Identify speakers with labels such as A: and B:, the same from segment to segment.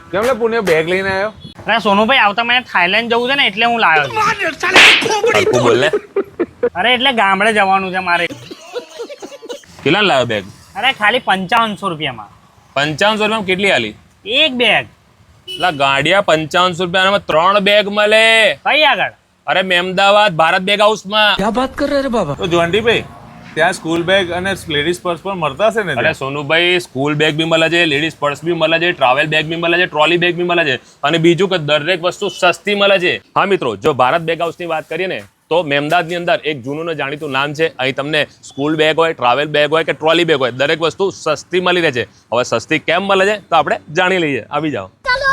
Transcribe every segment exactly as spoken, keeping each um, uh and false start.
A: કેમ લે પુણે બેગ લઈને આવ્યો?
B: અરે સોનુભાઈ આવતા મને થાઈલેન્ડ જવું છે ને એટલે હું લાવ્યો છું.
C: બોલ ને.
B: અરે એટલે ગામડે જવાનું છે મારે.
C: કેટલા લાવ્યો બેગ?
B: અરે ખાલી પંચાવનસો રૂપિયામાં.
C: પંચાવનસો રૂપિયામાં કેટલી આલી?
B: એક બેગ.
C: એટલે ગાડિયા પંચાવનસો રૂપિયામાં ત્રણ બેગ મળે.
B: કઈ આગળ?
C: અરે મેમદાવાદ ભારત બેગ હાઉસમાં.
A: ક્યાં વાત કર રહે રે બાબા? તો જોન્ટીભાઈ ત્યાં સ્કૂલ બેગ અને લેડીઝ પર્સ પણ મળતા હશે ને?
C: અરે સોનુભાઈ સ્કૂલ બેગ બી મળે છે, લેડીઝ પર્સ બી મળે છે, ટ્રાવેલ બેગ બી મળે છે, ટ્રોલી બેગ બી મળે છે અને બીજું કે દરેક વસ્તુ સસ્તી મળે છે. હા મિત્રો, જો ભારત બેગ હાઉસની વાત કરીએ ને તો મેમદાદની અંદર એક જૂનું ને જાણીતું નામ છે. અહીં તમને સ્કૂલ બેગ હોય, ટ્રાવેલ બેગ હોય કે ટ્રોલી બેગ હોય, દરેક વસ્તુ સસ્તી મળી રહે છે. હવે સસ્તી કેમ મળે છે તો આપણે જાણી લઈએ. આવી જાઓ.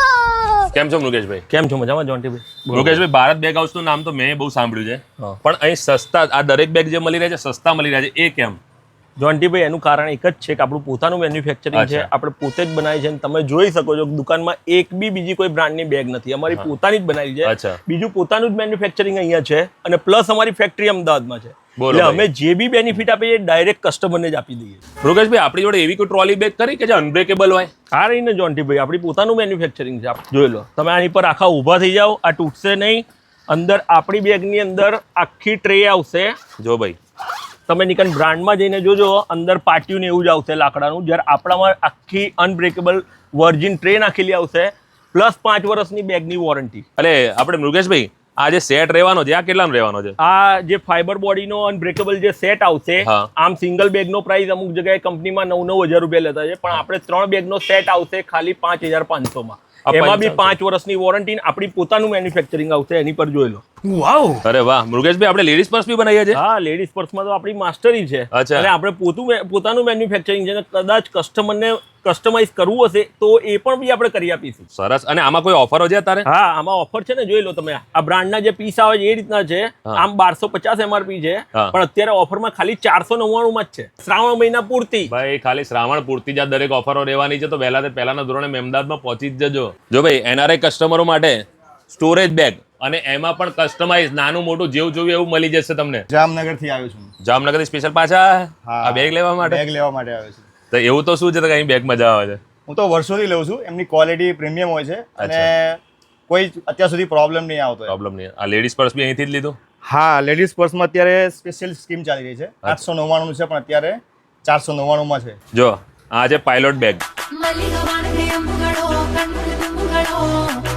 C: કેમ છો મુકેશભાઈ?
D: કેમ છો? મજામાં જોન્ટીભાઈ?
C: મુકેશભાઈ, ભારત બેગ હાઉસનું નામ તો મેં બહુ સાંભળ્યું છે, પણ અહીં સસ્તા આ દરેક બેગ જે મળી રહે છે સસ્તા મળી રહ્યા છે, એ કેમ?
D: જોન્ટીભાઈ, એનું કારણ એક જ છે કે આપણું પોતાનું મેન્યુફેક્ચરિંગ છે, આપણે પોતે જ બનાવી છે. તમે જોઈ શકો છો દુકાનમાં એક બી બીજી કોઈ બ્રાન્ડની બેગ નથી, અમારી પોતાની જ બનાવી છે. બીજું પોતાનું જ મેન્યુફેક્ચરિંગ અહીંયા છે અને પ્લસ અમારી ફેક્ટરી અમદાવાદમાં છે. એટલે અમે જે બી બેનિફિટ આપીએ ડાયરેક્ટ કસ્ટમરને જ આપી દઈએ.
C: મુકેશભાઈ, આપણી જોડે એવી કોઈ ટ્રોલી બેગ કરી કે જે અનબ્રેકેબલ હોય?
D: આ રહીને જોન્ટીભાઈ, આપણી પોતાનું મેન્યુફેક્ચરિંગ છે. જોઈ લો, તમે આની પર આખા ઊભા થઈ જાઓ, આ તૂટશે નહીં. અંદર આપણી બેગની અંદર આખી ટ્રે આવશે.
C: જો ભાઈ,
D: તમે નિકન બ્રાન્ડમાં જઈને જોજો, અંદર પાટિયું ને એવું જ આવશે લાકડાનું. જ્યારે આપણામાં આખી અનબ્રેકેબલ વર્જિન ટ્રે નાખેલી આવશે, પ્લસ પાંચ વર્ષની બેગની વોરંટી.
C: અરે આપણે મુકેશભાઈ, આ જે સેટ રહેવાનો છે આ કેટલાનો રહેવાનો છે?
D: આ જે ફાઈબર બોડીનો અનબ્રેકેબલ જે સેટ આવશે, આમ સિંગલ બેગનો પ્રાઇસ અમુક જગ્યાએ કંપનીમાં નવ નવ હજાર રૂપિયા લેતા છે, પણ આપણે ત્રણ બેગનો સેટ આવશે ખાલી પાંચ હજાર પાંચસો માં. એમાં બી પાંચ વર્ષની વોરંટી, આપણી પોતાનું મેન્યુફેક્ચરિંગ આવશે. એની પર જોઈ લો.
C: વાવ! અરે વાહ મુકેશભાઈ, આપણે લેડીઝ પર્સ બી બનાવીએ છીએ.
D: હા, લેડીઝ પર્સમાં તો આપણી માસ્ટરી છે અને આપણે પોતું પોતાનું મેન્યુફેક્ચરિંગ છે. કદાચ કસ્ટમરને કસ્ટમાઇઝ કરવું હશે તો એ પણ બી આપણે કરી આપીશું.
C: સરસ. અને આમાં કોઈ ઓફરો છે અત્યારે?
D: હા, આમાં ઓફર છે ને, જોઈ લો તમે. આ બ્રાન્ડના જે પીસ આવે છે એ રીતના છે. આમ બારસો પચાસ એમઆરપી છે, પણ અત્યારે ઓફરમાં ખાલી ચારસો નવ્વાણું માં જ છે, શ્રાવણ મહિના પૂરતી.
C: ભાઈ, ખાલી શ્રાવણ પૂરતી જ દરેક ઓફરો રહેવાની છે, તો વહેલા તે પહેલાના ધોરણે મેમદાદમાં પહોંચી જ જજો. જો ભાઈ, એનઆરઆઈ કસ્ટમરો માટે સ્ટોરેજ બેગ અને એમાં પણ કસ્ટમાઇઝ નાનું મોટું જેવું જોયું એવું મળી જશે તમને.
E: જામનગર થી આવ્યો છું.
C: જામનગર થી સ્પેશિયલ પાછા આ બેગ લેવા માટે?
E: બેગ લેવા માટે આવ્યો છું.
C: તો એવું તો શું છે કે અહીં બેગ મજા આવે છે?
E: હું તો વર્ષોથી લઉં છું. એમની ક્વોલિટી પ્રીમિયમ હોય છે અને કોઈ અત્યાર સુધી પ્રોબ્લેમ નહીં આવતો.
C: પ્રોબ્લેમ નહીં. આ લેડીઝ પર્સ બી અહીંથી જ લીધું?
E: હા, લેડીઝ પર્સમાં અત્યારે સ્પેશિયલ સ્કીમ ચાલી રહી છે. આઠસો નવ્વાણું છે, પણ અત્યારે ચારસો નવ્વાણું માં છે.
C: જો આ છે પાયલોટ બેગ.